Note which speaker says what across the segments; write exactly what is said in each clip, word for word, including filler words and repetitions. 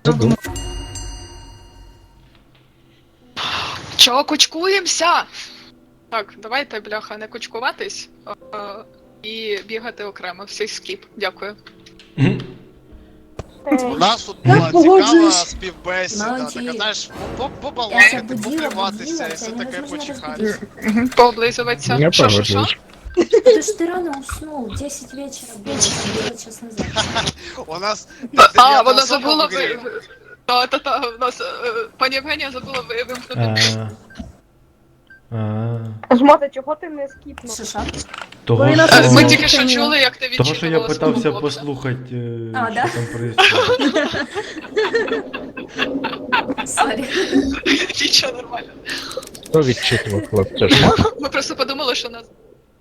Speaker 1: Задум.
Speaker 2: Чого кучкуємося? Так, давайте, бляха, не кучкуватись а, і бігати окремо. Всі скіп. Дякую.
Speaker 3: У нас тут
Speaker 4: Я
Speaker 3: була цікава
Speaker 4: погоджуюсь.
Speaker 3: співбесіда,
Speaker 5: Молодці.
Speaker 3: така, знаєш, по-
Speaker 5: Я
Speaker 3: побалакати,
Speaker 5: будила,
Speaker 3: поприватися
Speaker 5: будила,
Speaker 3: і
Speaker 5: це
Speaker 3: все таке
Speaker 5: невозможно
Speaker 3: почихати.
Speaker 5: разбудить.
Speaker 2: Пооблизуватися.
Speaker 1: Я
Speaker 2: Що, що, що?
Speaker 1: погоджуюсь.
Speaker 5: Ты ж ты рано уснул, десять вечера было, было час назад.
Speaker 3: У нас
Speaker 2: А,
Speaker 3: дев'ята
Speaker 2: вона
Speaker 3: особа
Speaker 2: забула
Speaker 3: в грі.
Speaker 2: ви... Та, та, та, у нас, е, пані Євгенія забула ви- вимкнути.
Speaker 6: А, а,
Speaker 4: Жмота, чого ти не скіпнув?
Speaker 5: Шиша?
Speaker 6: Того,
Speaker 4: Ви нас
Speaker 2: Е, Ми
Speaker 4: О.
Speaker 2: тільки
Speaker 6: що,
Speaker 2: що чули, як ти
Speaker 6: того, що я
Speaker 2: відчитувала свого
Speaker 6: питався
Speaker 2: хлопця.
Speaker 6: послухати, е,
Speaker 5: А,
Speaker 6: що
Speaker 5: да?
Speaker 6: там происходит.
Speaker 5: Сорі.
Speaker 2: Нічого, нормально.
Speaker 1: Хто відчитував хлопця? Жмот?
Speaker 2: Ми просто подумали, що нас...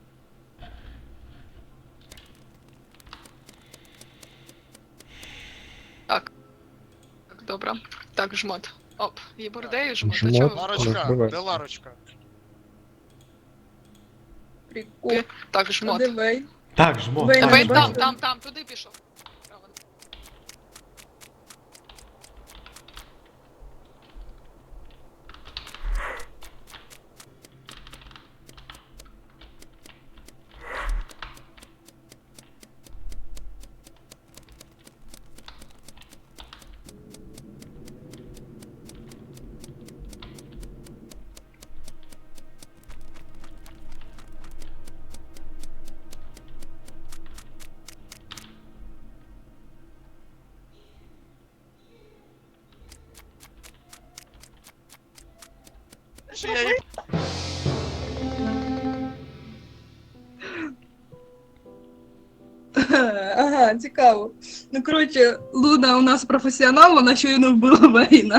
Speaker 2: Так. Так, добре. Так, жмот. Оп, є бордею, жмот. А
Speaker 1: Жмот.
Speaker 2: чого?
Speaker 3: Ларочка,
Speaker 1: Розбивай.
Speaker 3: де Ларочка?
Speaker 4: Прикол.
Speaker 2: Так, жмот.
Speaker 4: Дивей.
Speaker 6: Так, жмо,
Speaker 4: Ви
Speaker 6: так,
Speaker 2: Давай
Speaker 4: не
Speaker 6: жмо.
Speaker 2: там,
Speaker 4: бачите?
Speaker 2: там, там, туди пішов. Право.
Speaker 3: Чи я її
Speaker 4: Ага, цікаво. Ну, коротше, Луна у нас професіонал, вона щойно вбила Вейна.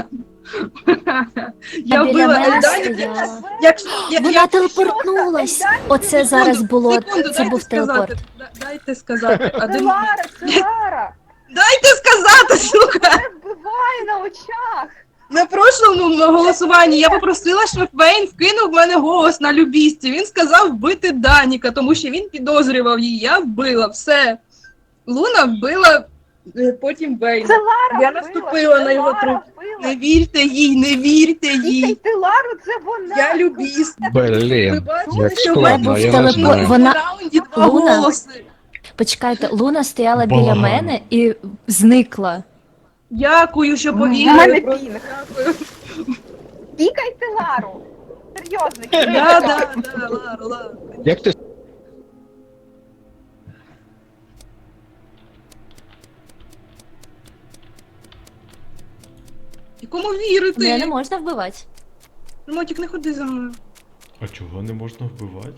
Speaker 4: Я
Speaker 5: Біля
Speaker 4: вбила
Speaker 5: мене
Speaker 4: Ельдані.
Speaker 5: стояла.
Speaker 4: Якщо я,
Speaker 5: Вона
Speaker 4: я,
Speaker 5: телепортнулась. Оце
Speaker 4: Секунду,
Speaker 5: зараз було,
Speaker 4: секунду,
Speaker 5: це
Speaker 4: дайте
Speaker 5: був
Speaker 4: сказати.
Speaker 5: телепорт.
Speaker 4: Да- Дайте сказати.
Speaker 7: Це
Speaker 4: Один...
Speaker 7: Лара, це Лара!
Speaker 4: Дайте сказати, сука!
Speaker 7: Це вбиває на очах!
Speaker 4: На прошлому голосуванні я попросила, щоб Вейн вкинув в мене голос на любісті. Він сказав вбити Даніка, тому що він підозрював її. Я вбила, все. Луна вбила е, потім Вейна.
Speaker 7: Це Лара
Speaker 4: Я
Speaker 7: вбила,
Speaker 4: наступила
Speaker 7: це
Speaker 4: на його
Speaker 7: Лара
Speaker 4: труп.
Speaker 7: вбила.
Speaker 4: Не вірте їй, не вірте їй.
Speaker 7: Слухайте, Лару, це вона!
Speaker 4: Я любіст. Ви
Speaker 1: Блін,
Speaker 4: бачите,
Speaker 1: як
Speaker 4: що
Speaker 1: складно,
Speaker 5: був
Speaker 1: я не
Speaker 5: телепорт.
Speaker 1: знаю.
Speaker 5: Вона-
Speaker 4: в раунді два
Speaker 5: Луна?
Speaker 4: голоси.
Speaker 5: Почекайте, Луна стояла біля
Speaker 6: Балаган.
Speaker 5: мене і зникла.
Speaker 4: Дякую, що
Speaker 7: У мене
Speaker 4: повірили.
Speaker 7: пінг.
Speaker 4: Просто дякую.
Speaker 7: Тікайте Лару! Серйозно,
Speaker 4: Да,
Speaker 7: кидайте.
Speaker 4: да, да, Лара, Лара.
Speaker 1: Як ти
Speaker 4: І кому
Speaker 5: Мене
Speaker 4: вірити?
Speaker 5: не можна вбивати.
Speaker 4: Мотік, не ходи за мною.
Speaker 6: А чого не можна вбивати?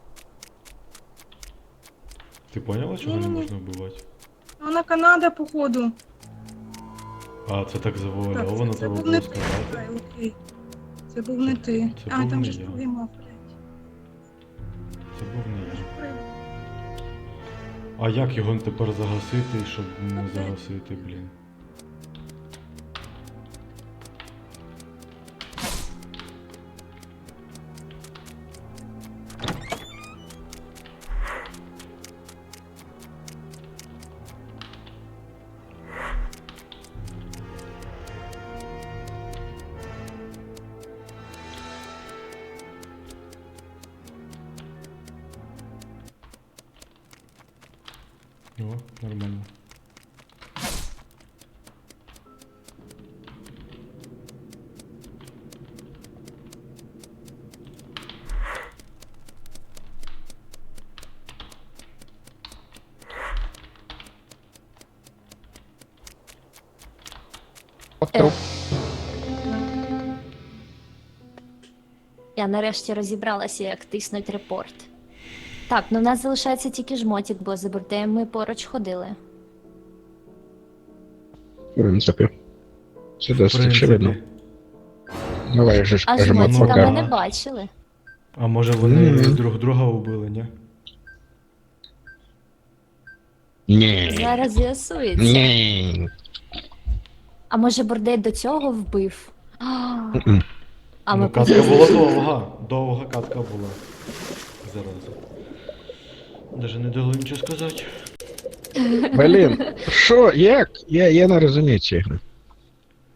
Speaker 6: Ти поняла, чого не
Speaker 4: Ні-ні-ні.
Speaker 6: можна вбивати?
Speaker 4: Вона Канада, походу.
Speaker 6: А, це так завуальовано,
Speaker 4: це
Speaker 6: треба
Speaker 4: був
Speaker 6: було
Speaker 4: не ти.
Speaker 6: сказати.
Speaker 4: Ай, окей. Це був не ти.
Speaker 6: Це
Speaker 4: А,
Speaker 6: був
Speaker 4: там
Speaker 6: не
Speaker 4: же ж
Speaker 6: я.
Speaker 4: другий мав, блядь.
Speaker 6: Це був не я. А як його тепер загасити, щоб не загасити, блін? О, нормально.
Speaker 1: труп?
Speaker 5: Я нарешті розібралася, як тиснуть репорт. Так, ну в нас залишається тільки жмотик, бо за бордеєм ми поруч ходили.
Speaker 1: В принципі. Це
Speaker 6: В
Speaker 1: досить
Speaker 6: принципі.
Speaker 1: очевидно. Давай же ж
Speaker 5: А
Speaker 1: кажемо
Speaker 5: жмотика
Speaker 6: пока.
Speaker 5: ми не
Speaker 1: пока.
Speaker 5: бачили.
Speaker 6: А може вони
Speaker 1: Мгм.
Speaker 6: друг друга убили, ні?
Speaker 1: Ні.
Speaker 5: Зараз з'ясується.
Speaker 1: Ні.
Speaker 5: А може бордей до цього вбив? А,
Speaker 1: Мгм.
Speaker 5: а ми
Speaker 6: Ну, катка
Speaker 5: просто-
Speaker 6: була довга, довга катка була. Зараз. Даже не дали нічого сказати.
Speaker 1: Блін, що, як? Я, я не розумію ці ігри.